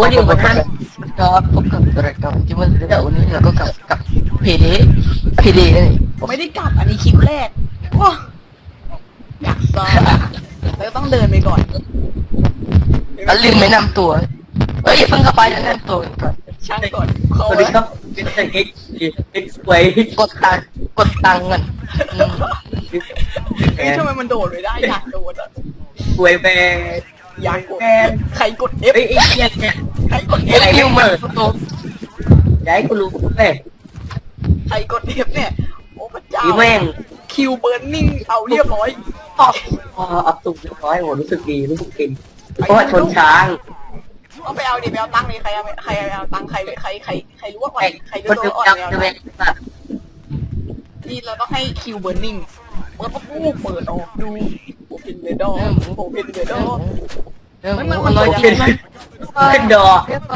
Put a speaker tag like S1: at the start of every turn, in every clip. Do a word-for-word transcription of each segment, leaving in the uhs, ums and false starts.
S1: วันนี้วันท่านก็พบกับรายการที่มันเดี๋ยววันนี้เราก็กับกับเพเดเพเดนี่
S2: ไม่ได้กลับอันนี้คลิปแรกว้าอยากซ้อมแล้วต้องเดินไปก่อน
S1: แล้วลืมไม่นำตัวเอ้ยเพิ่งเข้าไปแล้วแนะนำตัวก่อน
S2: ช่างก่อน
S3: สวัสดีครับเป็นแต่เอ็กซ์เอ็กซ์ไว้
S1: กดตังค์กดตังค์กันอืม
S2: เฮ้ยทำไมมันโดดไม่ได้อยากโดดอ่ะ
S3: สวยแบน
S2: อยากกด
S3: แบน
S2: ใครกด F
S3: เฮ้ยไอ้เนี่ยเนี่ย
S2: ใครกด
S1: เอ้
S2: F
S1: ยนิวมันตัว
S3: อย่าให้กูรู้เว้ย
S2: ใครกด F เนี่ยโอ้พระเจ้า
S3: อีแม่ง
S2: คิวเบิร์นนิ่งเอาเรียบร้อย
S3: พอพออับตุกเรียบร้อยโหรู้สึกดีรู้สึกกินเพราะว่าชนช้าง
S2: เอาไปเอาดิไปเอาตังค์ดิใครเอาใครเอาตังค์ใครใครใครใครรู้ว่าก่อน
S3: ไอ้
S2: ใครรู้
S3: คน
S2: ตั
S3: ดึ
S2: ว
S3: ก
S2: อ่อน
S3: จับ
S2: แล้ว
S3: จะเป็นสัตว์
S2: นี่เราต้องให้คิวเบิร์นนิ่งเปิดปุ๊บเปิดออกดูโอเพนเดอร์โอเพนเดอร์
S1: เรื่อง
S2: มัน
S1: มั
S2: มัน น
S1: ลอย
S2: มัน
S1: จริงไหม
S3: ขึ้นดอ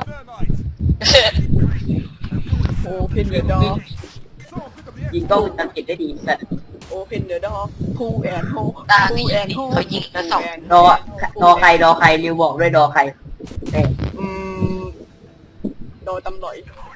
S2: โอเพนเดอร์
S3: ยิงกล้องวงจรปิดได้ดีสัตว์
S2: โอเพนเดอร์พูแอนโฮ
S1: ตา
S2: พู
S1: ที่
S2: แอนโฮ
S1: เขายิงแล้วสอง
S3: ดอดอใครดอใครริวบอกด้วยดอใครแม่ง
S2: อืมโดนตำหน่อย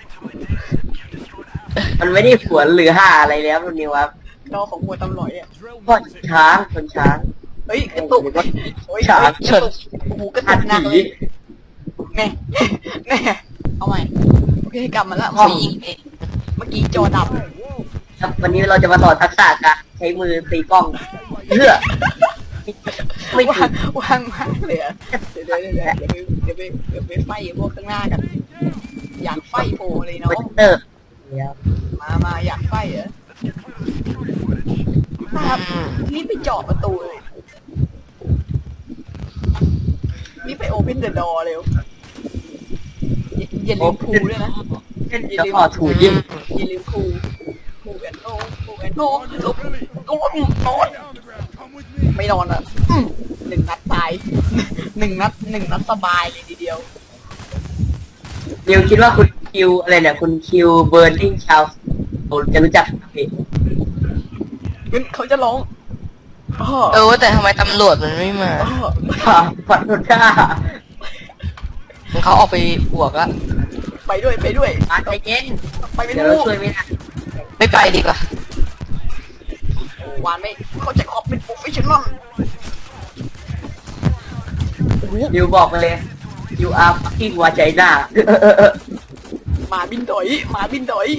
S3: มันไม่ได้ฝวนหรือห่าอะไรแล้วมันนี่วะ
S2: ดอของมวยตำหน่อยอ่ะ
S3: เพราะช้างชนช้าง
S2: เฮ้ยกระตุกโอ้ย
S3: ฉาก
S2: กระตุกโอ้โหกระตุ
S3: หัด
S2: กหนัก
S3: ผี
S2: เลยแน่แน่เอาใหม่โอเคกลับมาละ
S1: เขายิงเอง
S2: เมื่อกี้จอดับ
S3: ครับวันนี้เราจะมาสอนทักษะการใช้มือตีกล้องเพื่อไม่
S2: วา
S3: ถึ
S2: ง
S3: ง
S2: วางมากเลยอะเดี๋ยวเดี๋ยวเดี๋ยวเดี๋ยวเดี๋ยวไปเดี๋ยวไปไฟพวกข้างหน้ากัน อยากไฟโผล่เลย
S3: โป
S2: เนาะ
S3: รเตอร์เนี่ย
S2: มามาอยากไฟเหรอครับรีบไปเจาะประตูเลยรีบไปโอเพนเดอะดอเร็วอย่าอย่าลืมพูด้วยนะ
S3: เช่นจะขอถูยิง
S2: อย่าลืมพูพูแอนโนพูแอนโนลบก็ว่านอนไม่นอนอ่ะอืมหนึ่งนัดตายหนึ่งนัดหนึ่งนัดสบายเลยทีเดียว
S3: นิวคิดว่าคุณคิวอะไรเนี่ยคุณคิวเบิร์นิงชาวจะรู้จักไหม
S2: งั้นเขาจะร้องอ้อ
S1: เออแต่ทำไมตำรวจมันไม่มา
S2: อ้อ
S3: ฝันโดนฆ่า
S1: เขาออกไปบวกอะ
S2: ไปด้วยไปด้วย
S3: มาใจเย็น
S2: ไปไม่
S3: เดี๋ยว
S2: รู้
S3: เราช่วยไม่ได้
S1: ไม่ไปดีกว่า
S2: วานไม่เขาจะขอบเป็นโปรเฟชชั่นอล
S3: นิวบอกไปเลยยูอาร์ฟักกิ้งวาใจหน้า
S2: หมาบินดอยหมาบินดอย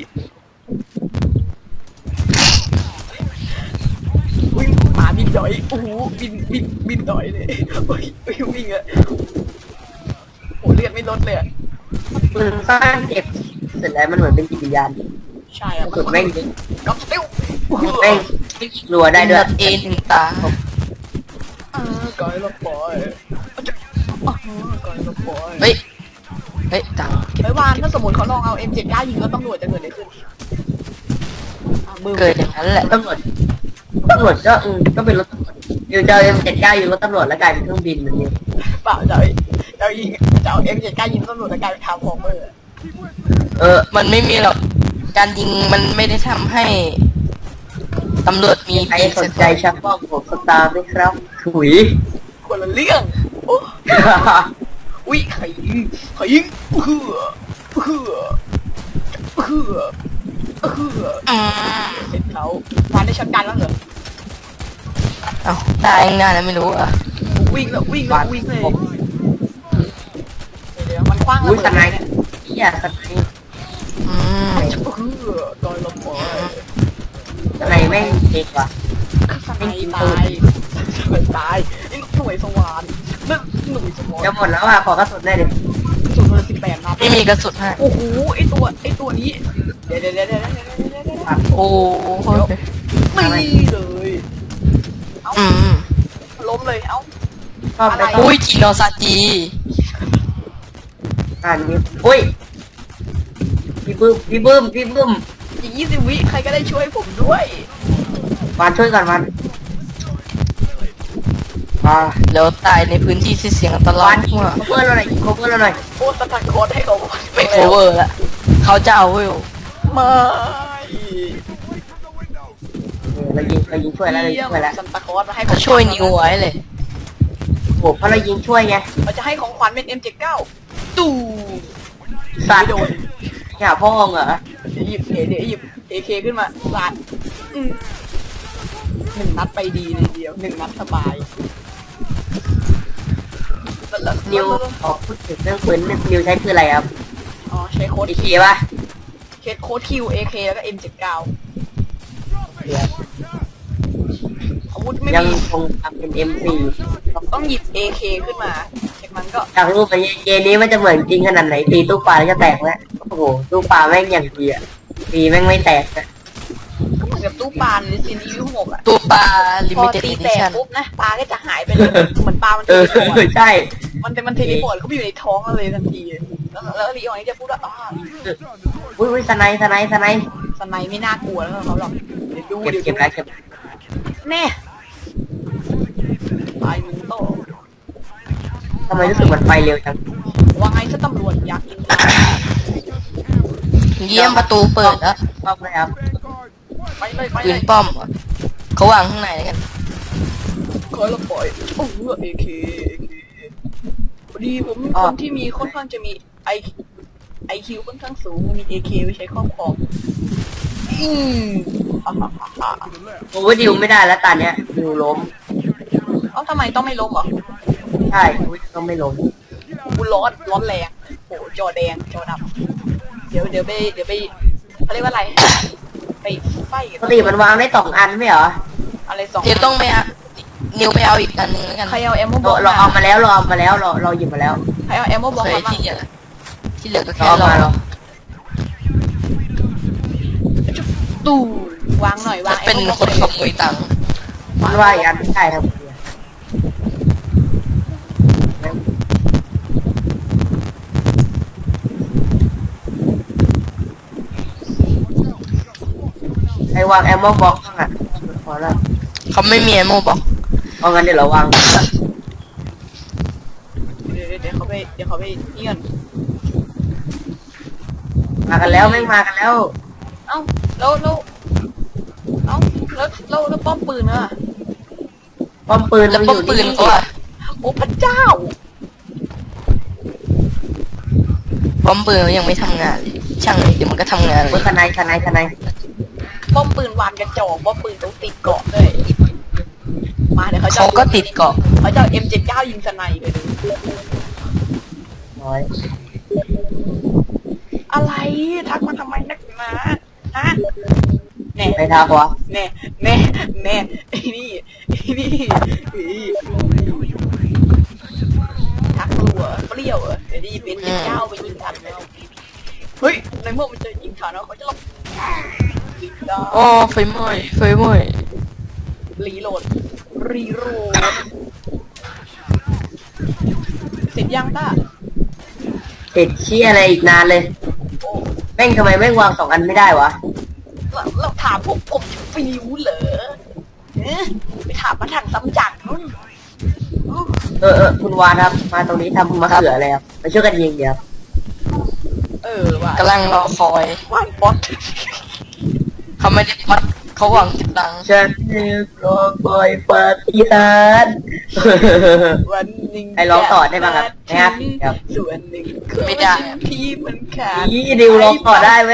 S2: วิ่งหมาบินดอยโอ้โหบินบินบินดอยเลยโอ้ยวิ่งวิ่งอะโอ้เลือดไม่ลดเลยอะ
S3: ปืนสร้างเก็บเสร็จแล้วมันเหมือนเป็นจิตวิญญาณ
S2: ใช่อะ
S3: สุดแม่ง
S2: กับสติล
S3: แม่งรัวได้ด้วย
S1: เอ็นหนึ่งตา
S2: อ่ากอยละปอยอ่ากอยละปอย
S1: เฮ้ยเฮ้ยตังค์
S2: ไอ้วานถ้าสมมติเขาลองเอา เอ็ม เจ็ดเก้า ยิงแล้วตำรวจจะเกิดอะไรขึ้นอ่ะมือ
S1: เกิดอย่างนั้นแหละ
S3: ตำรวจตำรวจก็อืมก็เป็นรถตำรวจอยู่จะเอ็มเจ็ดเก้าอยู่รถตำรวจแล้วกลายเป็นเครื่องบินแบบนี้
S2: เปล่าจะเอาจะเอายิงจะเอา เอ็ม เจ็ดเก้า ยิงตำรวจแล้วกลายเป็นทางฟอร์เมอร์
S3: เออ
S1: มันไม่มีหรอกการยิงมันไม่ได้ทำให้ตำรวจมี
S3: ใคร
S1: ปีก
S3: สนใจชักบ้องผมสตาร์ไหมครับถุย
S2: คนละเรื่องโอ้อุ้ยใครยิงใครยิงเพื่อเพื่อเพื่อเพื่อ
S1: อืม
S2: เห็นเขาวานได้ช็อตกันแล้วเหรอ
S1: เอ้าได้ยังไงนะไม่รู้อ่ะ
S2: วิ่งแล้ววิ่งแล้ววิ่งเลยเดี๋ยวมันคว้างระ
S3: อุ้ย
S2: เบิ
S3: ส
S2: ด
S3: ไน
S2: เนี่ย
S3: เฮียสไน
S1: อืม
S2: เพื่อโดยลมปอย
S3: สไนแม่งเด็กว่ะ
S2: สไนตายสไนตายไอ้หน่วยสว่านนึกหน่วยสว่าน
S3: จะหมดแล้วอ่ะขอกระสุนได้ดิ
S2: สุดเลยสิบแปดนัด
S1: ไม่มีกระสุนให้
S2: โอ้โหไอตัวไอตัวนี้เดี๋ยวเดี๋ยวเดี๋ยวเดี๋ยวเดี๋ยวเดี๋ยวเดี๋ยว
S1: โอ้โห
S2: นี่เลยเอา
S1: อืม
S2: ล้มเลยเอ้า
S3: ชอบไป
S1: อุ้ยจิโนซาจิ
S3: อ่านนี้อุ้ยพี่บึ้มพี่บึ้มพี่บึ้ม
S2: อีกยี่สิบวิใครก็ได้ช่วยผมด้วย
S3: มาช่วยกันมันมา
S1: แล้วตายในพื้นที่ที่เสียงอันตราว
S3: าย นยิง
S1: มาก
S3: โคเวอร์เราหน่อยยิงโคเวอร์เราหน่อย
S2: โอ้สตันโคตให้เขา
S1: ไม่โคเวอร์ละเขาจะเอาเว้ย
S2: ไม่
S3: เออเรายิงเรายิงช่วยแล้วเรายิงช่วยแล้ว
S2: ซันตาคอสมาให้ข
S1: เขา
S2: อง
S1: ช่วยนิวไว้เลย
S3: โอ้เพราะเรายิงช่วยไง
S2: เราจะให้ของขวัญเป็น เอ็ม เจ็ดเก้าตู้
S3: สัตว์
S2: ไม่โดน
S3: อย่าพ่องเหรอ
S2: เดี๋ยวหยิบเดี๋ยวหยิบเอเคขึ้นมาสาดอืมหนึ่งนัดไปดีเลยเดียวหนึ่งนัดสบายแล้ว
S3: นิวขอพูดถึงเรื่องปืนนิวใช้ปืนอะไรครับ
S2: อ๋อใช้โค้ด
S3: อีเคป่ะ
S2: เคสโค้ดคิวเอเคแล้วก็เอ็มเจ็ดเก้าอาวุธไม่
S3: ยัง
S2: มี
S3: คงทำเป็น เอ็ม โฟร์
S2: ต้องหยิบ เอ เค ขึ้นมาจากนั้นก็
S3: จากรูปไปเกมนี้มันจะเหมือนจริงขนาดไหนตีตู้ปลาแล้วจะแตกแล้วโอ้โหตู้ปลาแม่งอย่างดีอะตีแม่งไม่แตกอะ
S2: ก็เหมือนกับตู้ปลาในซีรีส์หกอะ
S1: ตัวปลาลิ
S2: พอ
S1: มิเต็ด
S2: ตี
S1: อี
S2: แต
S1: ดิ
S2: ก
S1: ชั่น
S2: ปุ๊บนะปลาก็จะหายไปเลยเหมือนปลามัน
S3: เอ
S2: เท
S3: อ
S2: เลพอร์ต
S3: ใช่
S2: มันเป็นมันเทเลพอร์ตเขาไปอยู่ในท้องเราเลยทันทีแล้วแล้วลีออนนี่จะพูดว่าอ้าว
S3: อุ้ยอุ้ยสไนส์สไนส์สไนส์
S2: สไนไม่น่ากลัวแล้วเขาหรอกเดี๋ยวดู
S3: เก็บ
S2: เดี๋ยว
S3: เก็บ
S2: ดู
S3: แล้วเก็บ
S2: แน่ตายมึงโต
S3: ทำไมรู้สึกมันไปเร็วจัง
S2: ว่าไงถ้าตำรวจอยากกินข้าว
S1: เยี่ยมประตูเปิดแล้ว
S3: ชอบไหมครับ
S2: ไปเลยไป
S1: ปื
S2: เล
S1: น
S2: ย
S1: ป้อมเหรอเขาวางข้างในแล้วกัน
S2: คอยเราปล่อยโอ้โหเอเคพอดีผมเป็นคนที่มีค่อนข้างจะมีไอไอคิวค่อนข้างสูงมีเอเคไว้ใช้ครอบครองอืมฮ่าฮ่าฮ่าฮ่า
S3: โอ้ยดิวไม่ได้แล้วตอนเนี้ยดิวล้ม
S2: เอ้าทำไมต้องไม่ล้มเหรอ
S3: ใช่อุ้ยต้องไม่ล้ม
S2: กูร้อนร้อนแรงโอ้จอแดงจอดำเดี๋ยวเดี๋ยวไปเดี๋ยวไปเขาเรียกว่าอะไรไปไฟ
S3: ปกติมันวางได้สองอันไม่เหรอ
S2: อะไรสอง
S1: เดี๋ยวต้องไปเอานิวไปเอาอีกอันหนึงแล้วกัน
S2: ใครเอาแอมโมบ
S3: เรา
S2: อก
S3: เราเอามาแล้วเราเอามาแล้วเราเราหยิบมาแล้ว
S2: ใครเอาแอมโมบอก
S1: เคย
S2: มา
S1: ที่เหลือที่เหลือก็
S3: เรา
S1: แค่
S3: เอา
S1: รอ
S3: มาเรา
S2: ตู้วางหน่อยวาง
S1: เป็น
S2: แอมโม
S1: คนขโมยตังค์
S3: มันว่าอีกอันไม่ใช่ครับไอ้วางแอมเมอร์บ็อกซ์อ่ะพอแล้ว
S1: เขาไม่มีแอมโมบอก
S3: เอางั้นเดี๋ยวเราวาง
S2: เดี๋ยวเดี๋ยวเดี๋ยวเขาไปเดี๋ยวเขาไปเงียน
S3: มากันแล้วไม่งมากันแล้ว
S2: เอ้าแล้วแล้วเอ้าแล้วแล้วแล้วป้อมปืนอะ
S3: ป้อมปืน
S1: แล้ว
S3: มัน
S1: ป้
S3: อ
S1: อม
S3: ยู่
S1: ปืน
S3: นี่
S1: เขาอะ
S2: โอ้พระเจ้า
S1: ป้อมปืนเขายังไม่ทำงานเลยช่างเลยเดี๋ยวมันก็ทำงานเล
S3: โอ้
S1: ย
S3: ยทนายทนายทนาย
S2: ป้อมปืนวานกระจอกป้อมปืนต้องติดเกาะด้วยมาเดี๋ยวเขาจะ
S1: เขาก็ติดเกาะ
S2: เขาจะเอ็มเจ็ดเก้ายิงสไนไปดู
S3: น้อย
S2: อะไรทักมาทำไมนักหนาฮะแน่
S3: ไปทากวะ
S2: แน่แน่แน่ไอ้นี่ไอ้นี่ไอ้ทักรัวเปรี้ยวเหรอเดี๋ยวดีเป็นเจ็ดเก้าไปยิงทันแล้วเฮ้ยในเมื่อมันจะยิงทันแล้วเขาจะลบยิงได้
S1: อ๋อไฟไหม้ไฟไหม้
S2: รีโหลด รีโหลด เสร็จยังต้า
S3: ติดเชี่ยอะไรอีกนานเลย
S2: โอ้
S3: แม่งทำไมแม่งวางสองอันไม่ได้วะ
S2: เราเราถามพวกผมจะฟิวเหรอเอ๊ะไปถามมาทางซ้ำจักรนู่นอู้
S3: เออเออคุณวานครับมาตรงนี้ทำมะเขืออะไรครับมาช่วยกันยิงเดี๋ยว
S2: เออว่ะ
S1: กำลังรอคอย
S2: ว่านป๊อต
S1: เขาไม่ได้พัดเขาหวังติดตังค์
S3: ฉันรอคอยปาฏิหาริย์
S2: วันหนึ่ง
S3: ให้ร้องต่อได้ป่ะครับนะครับ ครับ
S2: ส่วนหนึ่งพี่มันขาด
S3: นี่ดิวร้องต่อได้ไหม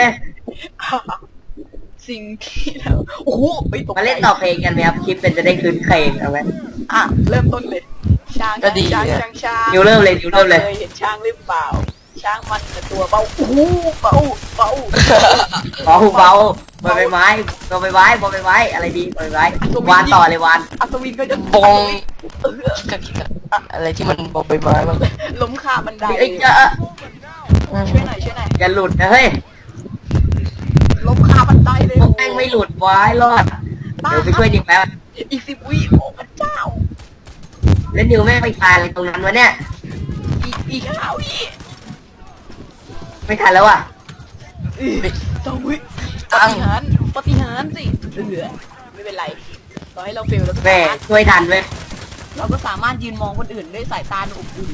S2: สิ่งที่เราโอ้โหไปตก
S3: มาเล่นต่อเพลงกันไหมครับคลิปเป็นจะได้คืนเพลงเอาไหม
S2: อ่ะเริ่มต้นเลยช้างช้างช้างช้าง
S3: ดิวเริ่มเลยดิวเริ่มเลย
S2: เคยเห็นช้างหรือเปล่า ช้างมันแต่ตัวเบาโอ้โหเบาเบา
S3: เบาเบาบอลใบไม้บอลใบไม้บอลใบไม้อะไรดีบอลใบไม้วานต่อเลยวาน
S2: อัศวินก็จะ
S1: บอง
S2: เออ
S1: คิกะคิกะอะไรที่มันบอกใบไม้บ้าง
S2: ล้มคาบันได
S3: เอ้ยเจ้า
S2: ช่วยหน่อยช่วยหน่อย
S3: อย่าหลุดนะเฮ้ย
S2: ล้มคาบันไดเลย
S3: พวกแม่งไม่หลุดไว้รอดเดี๋ยวไปช่วยดิวแป๊บ
S2: อีกสิบวิโอ้พระเจ้า
S3: แล้วดิวแม่งไปทานอะไรตรงนั้นวะเนี่ย
S2: อีกอีกห้าวิ
S3: ไม่ทันแล้วอ่ะ
S2: อีกสองวิป
S1: ตัง
S2: ฏิ
S1: ค์
S2: หารย์ปฏิหารย์สิเหลือไม่เป็นไรต่อให้เราเฟลเราก็
S3: แม่
S2: สามารถ
S3: ช่วยทันไหม
S2: เราก็สามารถยืนมองคนอื่นด้วยสายตาอบอุ่น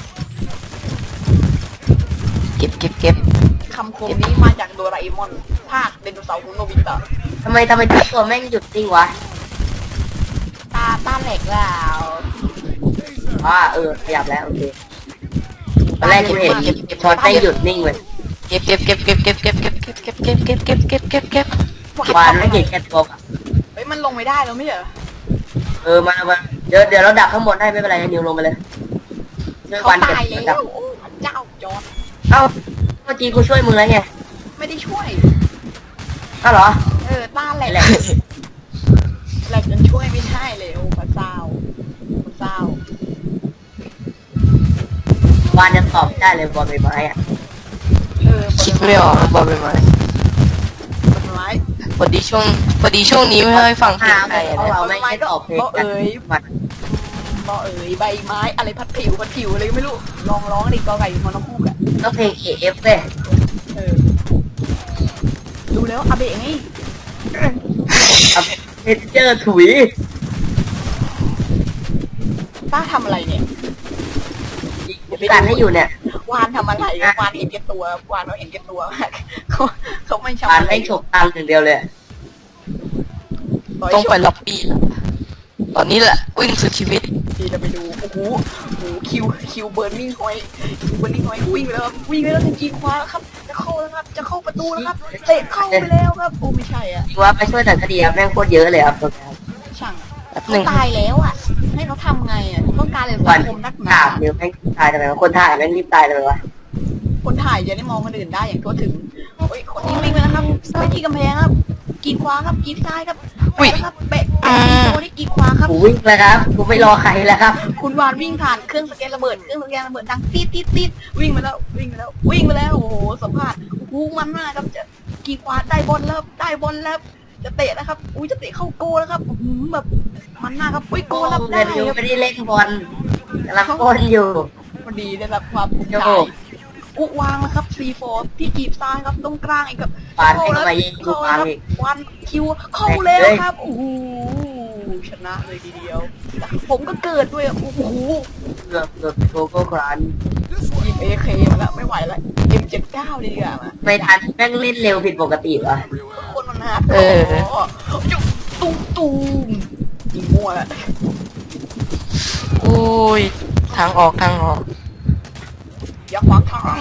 S1: เก็บเก็บเก็บ
S2: คำคมนี้มาจากโดราเอมอน ภาคไดโนเสาร์ของโนบิตะ
S3: ทำไมทำไมทุกตัวแม่งหยุดจริงวะ
S2: ตาตาแหลกแล้ว
S3: ว่าเออขยับแล้วโอเคตอนแรกกูเห็นช็อตไม่หยุดนิ่งเลย
S1: เก็บเก็บเก็บเก็บเก็บเก็บเก็บเก็บเก็บเก็บเก็บเก็บเก็บเก็บเก็บ
S3: วานไม่เห็นแค่ตัวอะ
S2: เฮ้ยมันลงไม่ได้แล้วไม่ใช่เหรอ
S3: เออมามาเดี๋ยวเดี๋ยวเราดักข้างบนให้ไม่เป็นไรนิวลงไปเลยช่วย
S2: เขา
S3: วานเก็บ
S2: ตายแล้
S3: ดัก
S2: วโอ้พระเจ้าจอร์ด
S3: เอ้าเมื่อกี้กูช่วยมึงแล้วไง
S2: ไม่ได้ช่วย
S3: เอ้าเหรอ
S2: เออต้านแหลก
S3: แหละ
S2: แหลกจนช่วยไม่ได้เลยโอ้พระเจ้าพระเจ้าว
S3: านจะตอบไม่ได้เลยบอลใบไม้อะ
S2: เออ
S1: คิดไม่ออกบอลไปไหม
S2: ต้นไม้
S1: พอดีช่วงพอดีช่วงนี้ไม่ค่อยฟังเพลงไทย
S3: เพราะ
S1: นะ
S3: เราไม่ได้ตอบเพลง
S2: บ่
S3: กัน
S2: เอ๋ย
S3: มัน
S2: บ่เอ๋ยใบไม้อะไรพัดผิวพัดผิวอะไรก็ไม่รู้ลองร้องดิกอไก่มอนอคูกอะ
S3: ต้องเพลง เอ เอฟ เว้ย
S2: เออดูแล้วอาเบะไง
S3: เอาเพนเจอร์ถุย
S2: ป้าทำอะไรเนี่ย
S3: การให้อยู่เนี่ยว
S2: านทำอะไรอะวานเห็นแก่ตัววานเราเห็นแก่ตัวมากเขาเขาไม่ชอบ
S3: วาน
S2: อะไร
S3: ให้ฉกตังค์อย่างเดียวเลย
S1: ต้องไปล็อบบี้แล้วตอนนี้แหละวิ่งสุดชีวิต
S2: ดีจะไปดูโอ้โหโอ้โหคิวคิวเบิร์นนิ่งหอยคิวเบิร์นนิ่งหอยวิ่งไปแล้วครับวิ่งไปแล้วจะจีคว้าแล้วครับจะเข้าแล้วครับจะเข้าประตูแล้วครับเตะเข้าไปแล้วครับโอ้ไม่ใช่อ่ะ
S3: จริงว่าไปช่วยหนังคดีครับแม่งโคตรเยอะเลยครับตรงนี้
S2: ช่างอะ
S1: แป๊บห
S2: เขา
S1: นึ่ง
S2: ตายแล้วอ่ะ ให้เขาทำไงอ่ะต้องการอะไร
S3: วั
S2: สั
S3: น
S2: งคมนักหนา
S3: ถามนิวแม่งตายทำไมวะคนถ่ายแม่งรีบตายทำไมวะ
S2: คนถ่ายจะได้มองคนอื่นได้อย่างทั่วถึงโอ้ยคนนี้วิ่งไปแล้วครับไปที่กำแพงครับกีดขวาครับกีดซ้ายครับเตะครับเบะเตะโอ้นี่กีดขวาครับ
S3: กูวิ่งแล้วครับกูไม่รอใครแล้วครับ
S2: คุณวานวิ่งผ่านเครื่องสแกนระเบิดเครื่องสแกนระเบิดดังตีดตีดตีดวิ่งไปแล้ววิ่งไปแล้ววิ่งไปแล้วโอ้โหสัมภาษณ์โอ้โหมันมากครับจะกีดขวาได้บอลแล้วได้บอลแล้วจะเตะแล้วครับอุ้ยจะเตะเข้าโกแล้วครับอื้อหือแบบมันมากครับอุ้ยโกแล้วได้
S3: เดี๋ยวนิว
S2: ครับ
S3: ไม่ได้เล่นบอลกำลังบอลอยู่
S2: พอดีได้รับความภูมิใจ
S3: โอ้โห
S2: อุวางนะครับซีโฟที่กีบซ้ายครับตรงกลางอีกครับ
S3: ปาน
S2: เข้า
S3: ให้
S2: แล้ว
S3: เข้ามายิง
S2: เข้าแล้วครับ
S3: ปานอีก
S2: วันคิวเข้าแล้วครับโอ้โหชนะเลยทีเดียว ผมก็เกิดด้วยอ่ะโอ้โห
S3: เกือบเกือบโกโก้ครัน
S2: หยิบเอเคมาแล้วไม่ไหวแล้ว เอ็ม เจ็ดสิบเก้า ดีกว่ามา
S3: ไม่ทันแม่งเล่นเร็วผิดปกติวะ
S2: คนมันหา
S1: เออ
S2: จุ๊บตุ้มตุ้มยิงมั่วแล้ว
S1: โอ้ยทางออกทางออก
S2: อย่าขวางทาง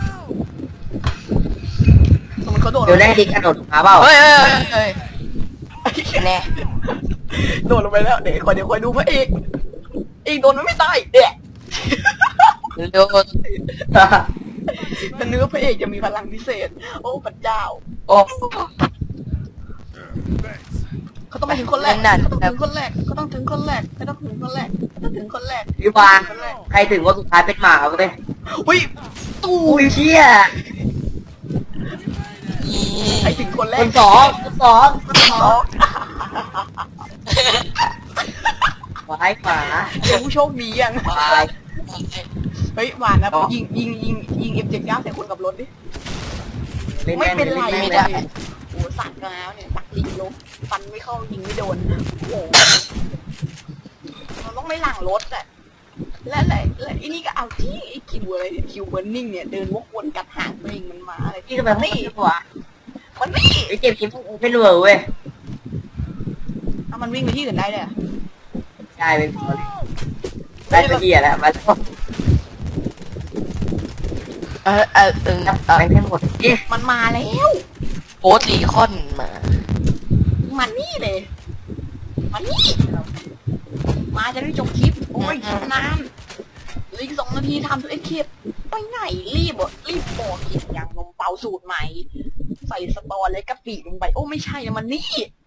S2: สมมติเขาโดด
S3: เดี๋ยวได้ดิกระโดดมาเปล่า
S1: เฮ้ยเฮ้ยเฮ้ยแน่
S2: โดดลงไปแล้วเดี๋ยวคอยเดี๋ยวคอยดูพระเอกเอกโดนมันไม่ตายเด็ก
S1: เร็ว
S2: แต่เนื้อพระเอกจะมีพลังพิเศษ โอ้พระเจ้า
S1: โอ้
S2: เขาต้องไปถึงคนแรก
S1: นั่น
S2: เขาต้องถึงคนแรกเขาต้องถึงคนแรกเขาต้องถึงคนแรกเขาต้องถึงคนแรก
S3: พี่วานใครถึงว่าสุดท้ายเป็นหมาเว้ย
S2: อุ้ยตู้
S3: อุ้ยเชี่ย
S2: ใครถึงคนแร
S3: ค
S2: ก
S3: นสองคนสองคนสองวายหมา
S2: เป็นผู้โชคดียัง
S3: วาย
S2: เฮ้ยหวานนะยิงยิงยิงยิงเอ็มเจ็ดเก้าใส่คนกับรถดิไม่เป็นไร
S3: ไม่
S2: ไม่
S3: ได้
S2: ได้โอ้สักแล้วเนี่ยสักลิงลบฟันไม่เข้ายิงไม่โดนโอ้มันต้องไม่หลังรถอะและและและไอ้นี่ก็เอาที่ไอ้คิวอะไรเนี่ยคิวเบอร์นิ่งเนี่ยเดินวกวนกัดหางตัวเองมันมาอะไร
S3: พี่ก็แบบไม่หัว
S2: มันนี่
S3: ไอ้เจ็บยิ้มเป็นเวอร์เว้ย
S2: เอามันวิ่งไปที่อื่นได้เลยอะ
S3: ได้เป็นพอเลยได้ไปเหี้ยแล้วมาแล้ว
S1: เออเออเออ
S3: นับไปให้หมดเอ๊ะ
S2: มันมาแล้ว
S1: โอ๊ตรีคอนมา
S2: มันนี่เลยมันนี่มาจะได้จบคลิปโอ้ยนานเหลืออีกสองนาทีทำตัวเอ็กคลิปไปไหนรีบอ่ะรีบบอกกินอย่างนมเปาสูตรใหม่ ใส่สตอและกะปิลงไปโอ้ไม่ใช่นะมันนี่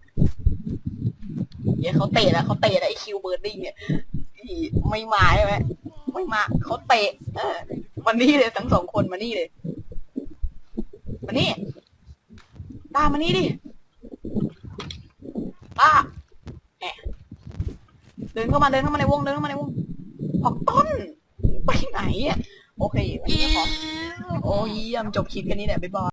S2: เดี๋ยวเขาเตะแล้วเขาเตะแล้วไอคิวเบิร์ดดิ้งเนี่ยอีไม่มาใช่ไหมไม่มาเขาเตะเออมันนี่เลยทั้งสองคนมานี่เลยมานี่ตามมานี่ดิป้าแอะเดินเข้ามาเดินเข้ามาในวงเดินเข้ามาในวงออกต้นไปไหนอ่ะโอเควันนี้ขอโอ้ยเยี่ยมจบคลิปกันนี้แหละบ๊ายบาย